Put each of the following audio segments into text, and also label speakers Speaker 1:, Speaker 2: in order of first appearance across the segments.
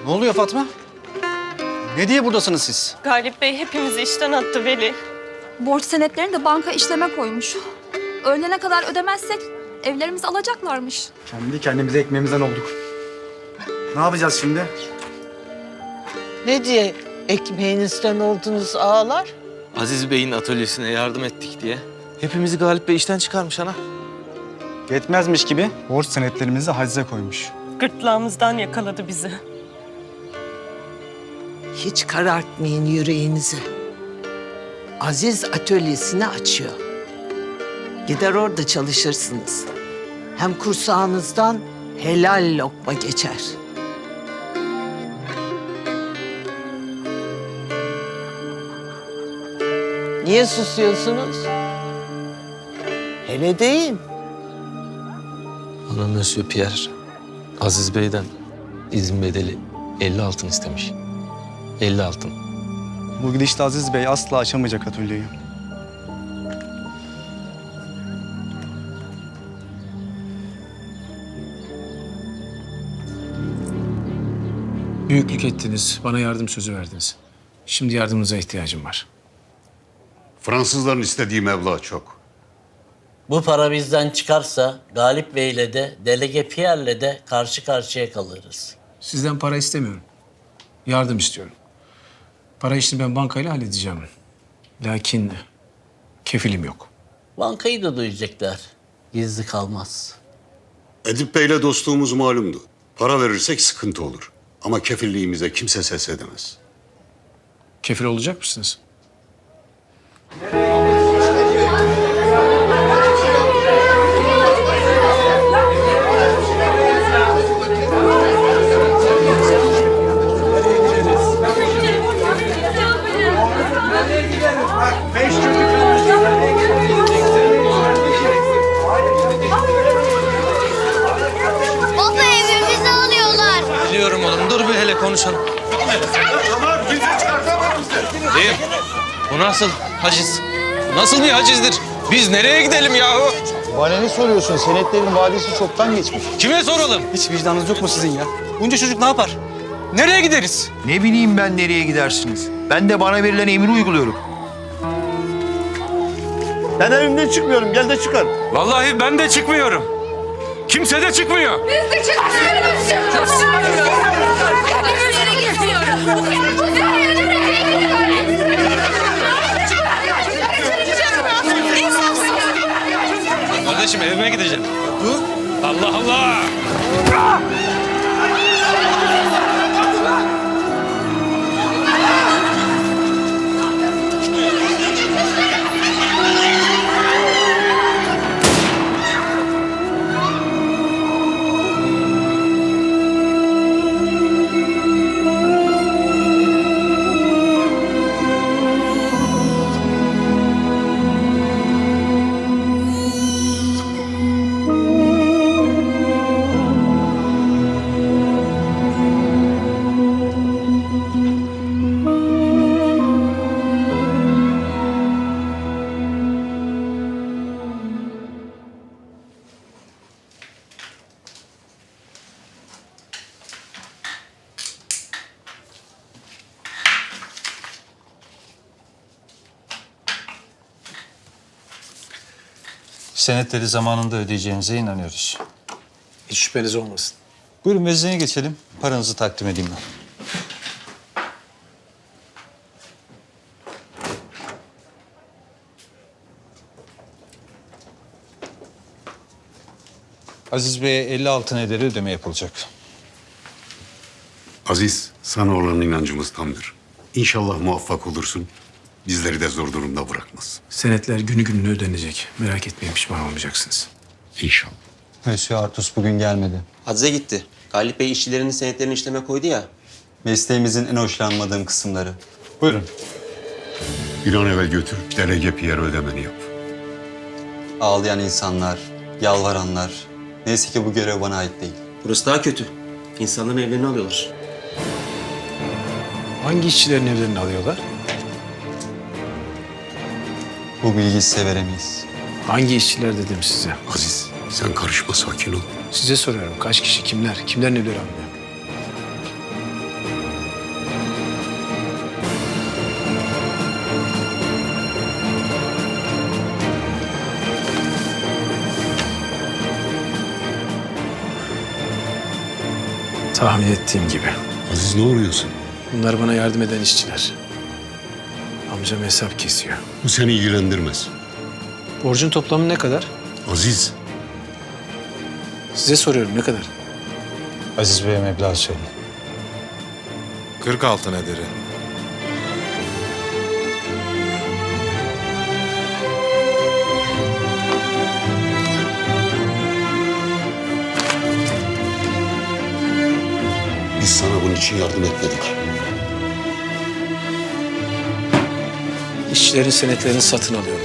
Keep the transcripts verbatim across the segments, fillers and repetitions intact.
Speaker 1: Ne oluyor Fatma? Ne diye buradasınız siz?
Speaker 2: Galip Bey hepimizi işten attı Veli.
Speaker 3: Borç senetlerini de banka işleme koymuş. Öğlene kadar ödemezsek evlerimizi alacaklarmış.
Speaker 4: Kendi kendimize ekmeğimizden olduk. Ne yapacağız şimdi?
Speaker 5: Ne diye ekmeğinizden oldunuz ağalar?
Speaker 6: Aziz Bey'in atölyesine yardım ettik diye. Hepimizi Galip Bey işten çıkarmış ana.
Speaker 4: Yetmezmiş gibi borç senetlerimizi hacize koymuş.
Speaker 2: Gırtlağımızdan yakaladı bizi.
Speaker 5: Hiç karartmayın yüreğinizi. Aziz atölyesini açıyor. Gider orada çalışırsınız. Hem kursağınızdan helal lokma geçer. Niye susuyorsunuz? Hele deyin.
Speaker 6: Ana Monsieur Pierre, Aziz Bey'den izin bedeli elli altın istemiş. elli altın.
Speaker 4: Bu gidişle Aziz Bey asla açamayacak atölyeyi.
Speaker 7: Büyüklük ettiniz, bana yardım sözü verdiniz. Şimdi yardımınıza ihtiyacım var.
Speaker 8: Fransızların istediği meblağ çok.
Speaker 9: Bu para bizden çıkarsa Galip Bey'le de Delege Pierre'le de karşı karşıya kalırız.
Speaker 7: Sizden para istemiyorum. Yardım istiyorum. Para işini ben bankayla halledeceğim. Lakin kefilim yok.
Speaker 9: Bankayı da duyacaklar. Gizli kalmaz.
Speaker 8: Edip Bey'le dostluğumuz malumdu. Para verirsek sıkıntı olur. Ama kefilliğimize kimse ses edemez.
Speaker 7: Kefil olacak mısınız?
Speaker 10: Baba evimizi alıyorlar.
Speaker 6: Biliyorum oğlum, dur bir hele konuşalım. Değil. Bu nasıl haciz? Bu nasıl bir hacizdir? Biz nereye gidelim yahu?
Speaker 4: Bana ne soruyorsun? Senetlerin vadesi çoktan geçmiş.
Speaker 6: Kime soralım?
Speaker 4: Hiç vicdanınız yok mu sizin ya?
Speaker 1: Bunca çocuk ne yapar? Nereye gideriz?
Speaker 11: Ne bileyim ben nereye gidersiniz? Ben de bana verilen emri uyguluyorum.
Speaker 8: Ben evimden çıkmıyorum. Gel de çıkar.
Speaker 6: Vallahi ben de çıkmıyorum. Kimse de çıkmıyor. Kardeşim evime gideceğim. Allah Allah!
Speaker 12: Senetleri zamanında ödeyeceğinize inanıyoruz.
Speaker 7: Hiç şüpheniz olmasın.
Speaker 12: Buyurun vezneye geçelim. Paranızı takdim edeyim ben. Aziz Bey'e elli altın ederi ödeme yapılacak.
Speaker 8: Aziz, sana olan inancımız tamdır. İnşallah muvaffak olursun. Bizleri de zor durumda bırakmaz.
Speaker 7: Senetler günü gününe ödenecek. Merak etmeyin, pişman olmayacaksınız.
Speaker 8: İnşallah.
Speaker 12: Monsieur Artus bugün gelmedi.
Speaker 13: Hacize gitti. Galip Bey işçilerinin senetlerini işleme koydu ya.
Speaker 12: Mesleğimizin en hoşlanmadığım kısımları. Buyurun.
Speaker 8: Bir an evvel götür, Delege Pierre ödemeni yap.
Speaker 12: Ağlayan insanlar, yalvaranlar. Neyse ki bu görev bana ait değil.
Speaker 13: Burası daha kötü. İnsanların evlerini alıyorlar.
Speaker 7: Hangi işçilerin evlerini alıyorlar?
Speaker 12: Bu bilgiyi size veremeyiz.
Speaker 7: Hangi işçiler dedim size?
Speaker 8: Aziz, sen karışma, sakin ol.
Speaker 7: Size soruyorum. Kaç kişi, kimler? Kimlerin evleri alınıyor? Tahmin ettiğim gibi.
Speaker 8: Aziz ne oluyorsun?
Speaker 7: Bunlar bana yardım eden işçiler. Amcam hesap kesiyor.
Speaker 8: Bu seni ilgilendirmez.
Speaker 7: Borcun toplamı ne kadar?
Speaker 8: Aziz,
Speaker 7: Size soruyorum ne kadar?
Speaker 4: Aziz Bey'e meblağ söyle.
Speaker 6: Kırk altın ederi.
Speaker 8: biz sana bunun için yardım etmedik.
Speaker 7: İşçilerin senetlerini satın alıyorum.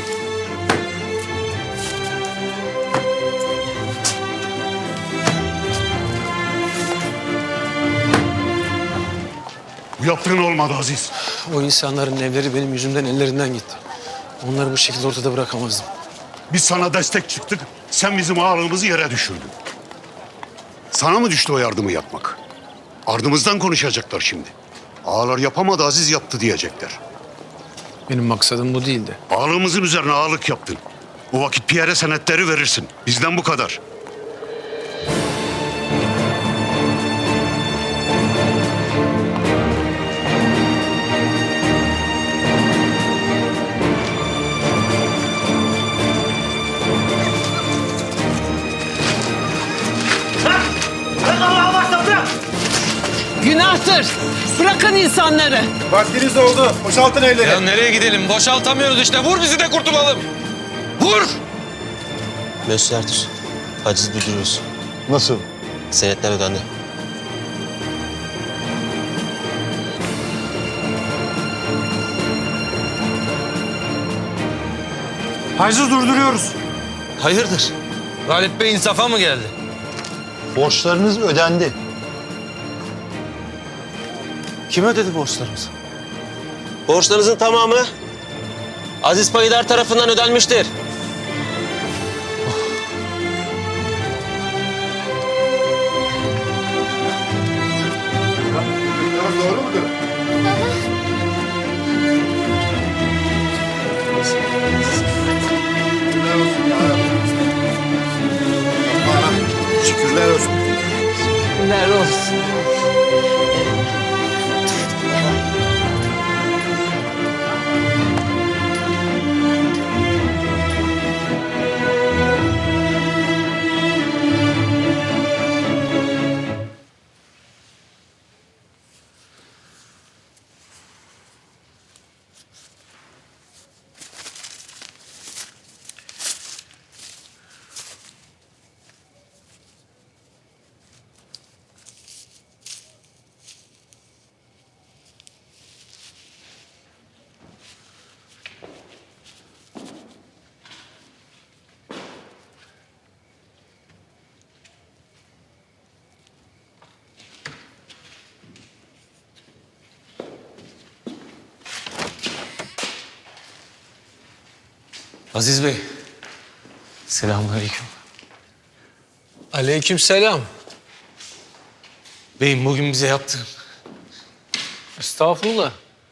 Speaker 8: Bu yaptığın olmadı Aziz.
Speaker 7: O insanların evleri benim yüzümden ellerinden gitti. Onları bu şekilde ortada bırakamazdım.
Speaker 8: Biz sana destek çıktık, sen bizim ağırlığımızı yere düşürdün. Sana mı düştü o yardımı yapmak? Ardımızdan konuşacaklar şimdi. Ağalar yapamadı, Aziz yaptı diyecekler.
Speaker 7: Benim maksadım bu değildi.
Speaker 8: Ağalığımızın üzerine ağalık yaptın. O vakit Pierre'e senetleri verirsin. Bizden bu kadar.
Speaker 5: Günahtır. Bırakın insanları.
Speaker 4: Vaktiniz oldu. Boşaltın elleri.
Speaker 6: Ya nereye gidelim? Boşaltamıyoruz işte. Vur bizi de kurtulalım. Vur!
Speaker 13: Mesut Ertuğ, haciz durduruyoruz.
Speaker 8: Nasıl?
Speaker 13: Senetler ödendi.
Speaker 4: Haciz durduruyoruz.
Speaker 6: Hayırdır? Galip Bey insafa mı geldi?
Speaker 11: Borçlarınız ödendi.
Speaker 6: Kim ödedi borçlarımızı?
Speaker 13: Borçlarınızın tamamı Aziz Payidar tarafından ödenmiştir.
Speaker 8: Doğru mudur? Şükürler olsun.
Speaker 5: Şükürler olsun.
Speaker 6: Aziz Bey. Selamünaleyküm.
Speaker 7: Aleykümselam.
Speaker 6: Beyim bugün bize yaptığın.
Speaker 7: Estağfurullah.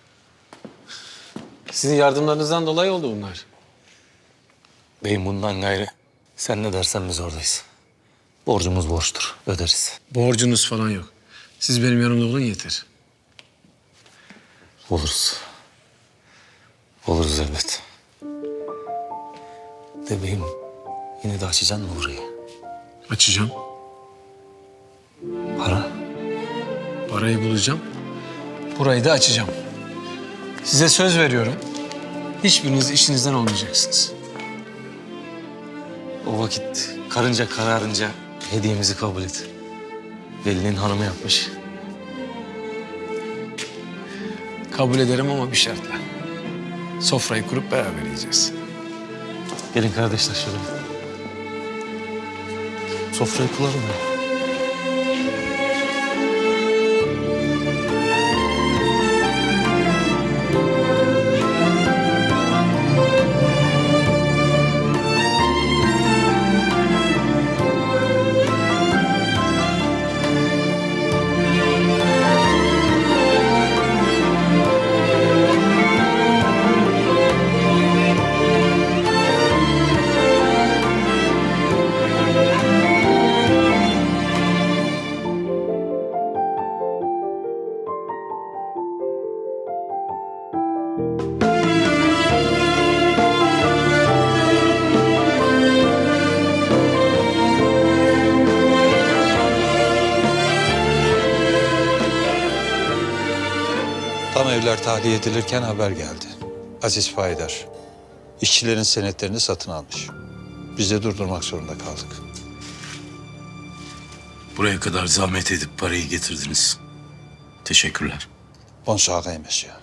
Speaker 7: Sizin yardımlarınızdan dolayı oldu bunlar.
Speaker 6: Beyim bundan gayrı. Sen ne dersen biz oradayız. Borcumuz borçtur. Öderiz.
Speaker 7: Borcunuz falan yok. Siz benim yanımda olun yeter.
Speaker 6: Oluruz. Oluruz elbet. De beyim yine de açacaksın mı burayı?
Speaker 7: Açacağım.
Speaker 6: Para?
Speaker 7: Parayı bulacağım. Burayı da açacağım. Size söz veriyorum. Hiçbiriniz işinizden olmayacaksınız.
Speaker 6: O vakit karınca kararınca hediyemizi kabul et. Veli'nin hanımı yapmış.
Speaker 7: Kabul ederim ama bir şartla. Sofrayı kurup beraber yiyeceğiz.
Speaker 6: Gelin kardeşler şöyle. Sofrayı kuralım ya.
Speaker 14: tahliye edilirken haber geldi. Aziz Faydar, işçilerin senetlerini satın almış. Biz de durdurmak zorunda kaldık.
Speaker 6: Buraya kadar zahmet edip parayı getirdiniz. Teşekkürler.
Speaker 14: Bonsoir, monsieur.